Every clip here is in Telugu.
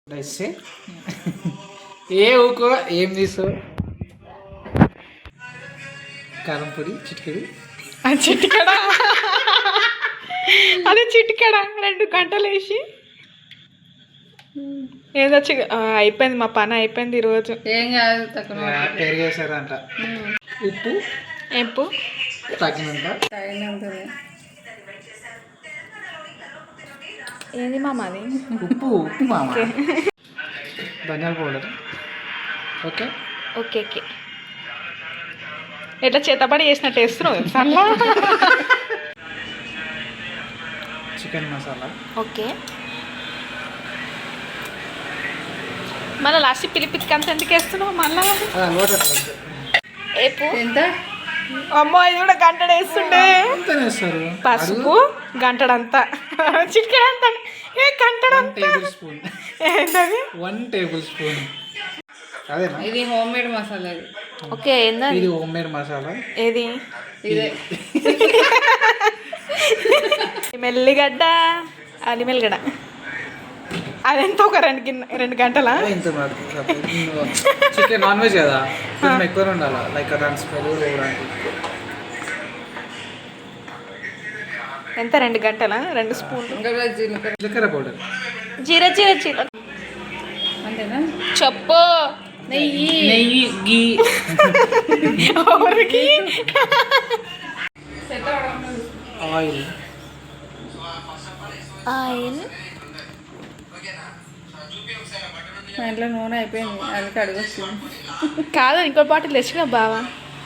ఏ ఊకో ఏం తీస్తావు? కారం పొడి చిటికెడు. చిటికెడ అదే చిటికెడ 2 గంటలు వేసి ఏదొచ్చి అయిపోయింది. మా పని అయిపోయింది ఈరోజు. ఏం కాదు తక్కువ పెరిగేసారంట. ఉప్పు ఎప్పు తగినంత. ఏంది మామ అది? ఉప్పు మామ. ధనియాల పౌడర్. Okay okay okay. ఎట్లా చేతపడి చేసినట్టు వేస్తున్నావు సల్లా. Chicken masala. ఓకే. మళ్ళీ లాస్ట్ పిలిపికి అంత ఎందుకు వేస్తున్నావు మళ్ళా? ఏపు ఎంత? అమ్మో ఇది కూడా గంటడు వేస్తుండే. పసుపు గంటడంతా చికెన్ ఏ గంటడంతా. 1 టేబుల్ స్పూన్. అదేనా? ఇది హోమ్ మేడ్ మసాలా. ఓకే. ఇది హోమ్ మేడ్ మసాలా. ఏది? ఇదే మెల్లిగడ్డ అల్లిమెల్లిగడ్డ. అదెంత ఒక 2 గంటలా? చికెన్ నాన్ వెజ్ కదా, కొంచెం ఎక్కువ ఉండాలి. లైక్ దాని స్మెల్ ఎంత 2 గంటలా? 2 స్పూన్లు జీలకర్ర పౌడర్. జీరా జీరా జీరా అంతేనా? చెప్పు. నెయ్యి గీ. ఆయిల్. ఆయిల్. మా ఇంట్లో నూనె అయిపోయింది, అది కడుగొస్తుంది. కాదు ఇంకో బాటిల్ తెచ్చుగా బావా.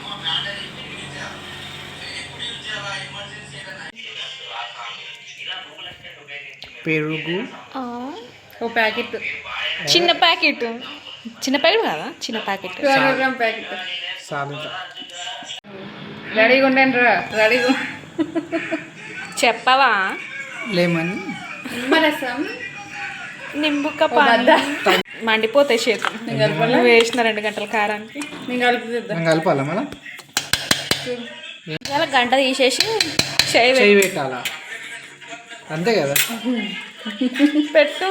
పెరుగు ఒక ప్యాకెట్. చిన్న ప్యాకెట్. చిన్న ప్యాకెట్ కాదా? చిన్న ప్యాకెట్. 200 gram packet. సాల్ట్. రెడీగా ఉండండి రా. రెడీగా చెప్పవా? లెమన్. నిమ్మరసం. నింబుక మండిపోతాయి చేతులు. నువ్వు వేసిన 2 గంటల కారానికి. నేను కలుపుతుందా? కలపాలా మళ్ళా? ఇలా గంట తీసేసి చేయి పెట్టాలా? అంతే కదా. పెట్టు.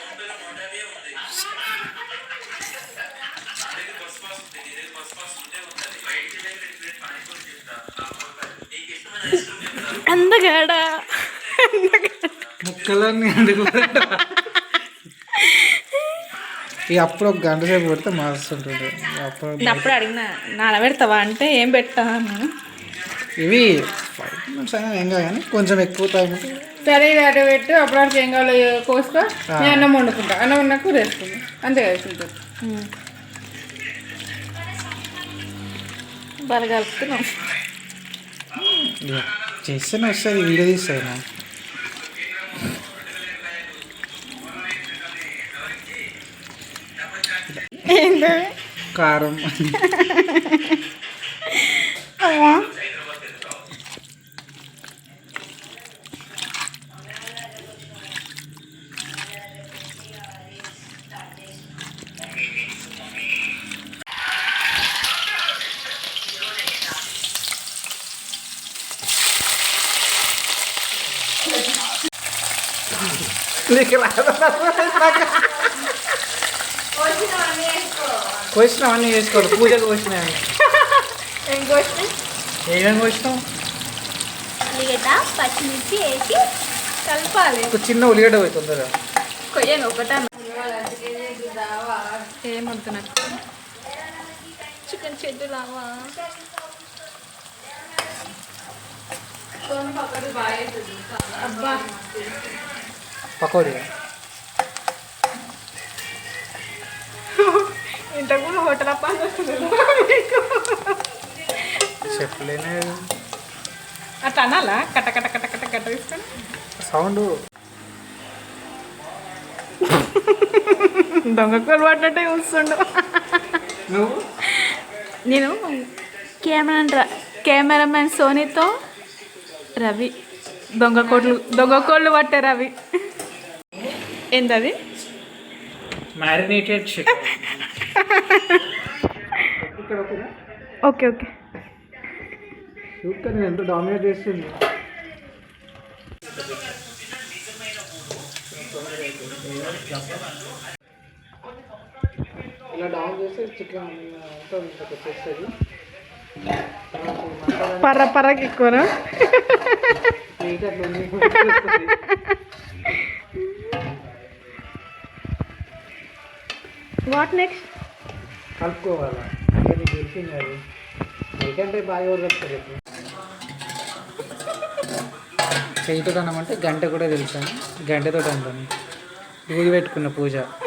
అందగాడా ముక్కలన్నీ అందుకు. ఇక అప్పుడు 1 గంట సేపు పెడితే మారుస్తుంటుంది. అప్పుడు అడిగినా నానబెడతావా అంటే ఏం పెట్టా అన్నా. ఇవి 5 minutes అయినా ఏం కాదు కానీ కొంచెం ఎక్కువ టైం. సరే ఇది అటు పెట్టు. అప్పుడు ఏం కావాలో కోసుకో. నేను అన్నం వండుకుంటా. అన్నం వండా కూర వేసుకుంటా. అంతే కదా సింపుల్. బాగా కలుపుతున్నాం. చేస్తేనే వస్తుంది, వీడియో తీస్తాను. కారం. కోసినావన్నీ వేసుకోవాలి. పూజకు కోసినాయి. ఏం కోసినాయి? ఏమేమి కోసినావు? ఉల్లిగడ్డ పచ్చిమిర్చి వేసి కలపాలి. ఒక చిన్న ఉల్లిగడ్డ పోయి తొందరగా కొయ్యాను ఒకటా. ఏమొద్దు నాకు. చికెన్ చెడ్డు లావా. పకోడీ. ఇంతకుముందు హోటల్ అప్ప చెప్పలేనే. అట్లా అనాలా? కట్ట కట్ట కట్ట కట్ట కట్ట తీసుకొని సౌండ్. దొంగకూలు పడ్డట్టే చూస్తుండు. నేను కెమెరామెన్ సోనీతో రవి దొంగకోళ్ళు పట్టే రవి. ఏంటది? Marinated chicken. Okay okay. చూస్తే నేను ఎంత డామినేట్ చేస్తుంది. ఇట్లా డౌన్ చేస్తే చికెన్ అంతా ఇంకొక వచ్చేస్తుంది. పర్ర పర్రకి ఎక్కువనా? హీట్ అట్లా ఉంది. What next? కలుపుకోవాలా అంటే నీకు తెలిసింది అది. ఎందుకంటే బాగా ఎవరు కలుపుతారు ఇప్పుడు చేయితో అన్నమంటే గంట కూడా తెలుసాను. గంటతో అంటాను. దూది పెట్టుకున్న పూజ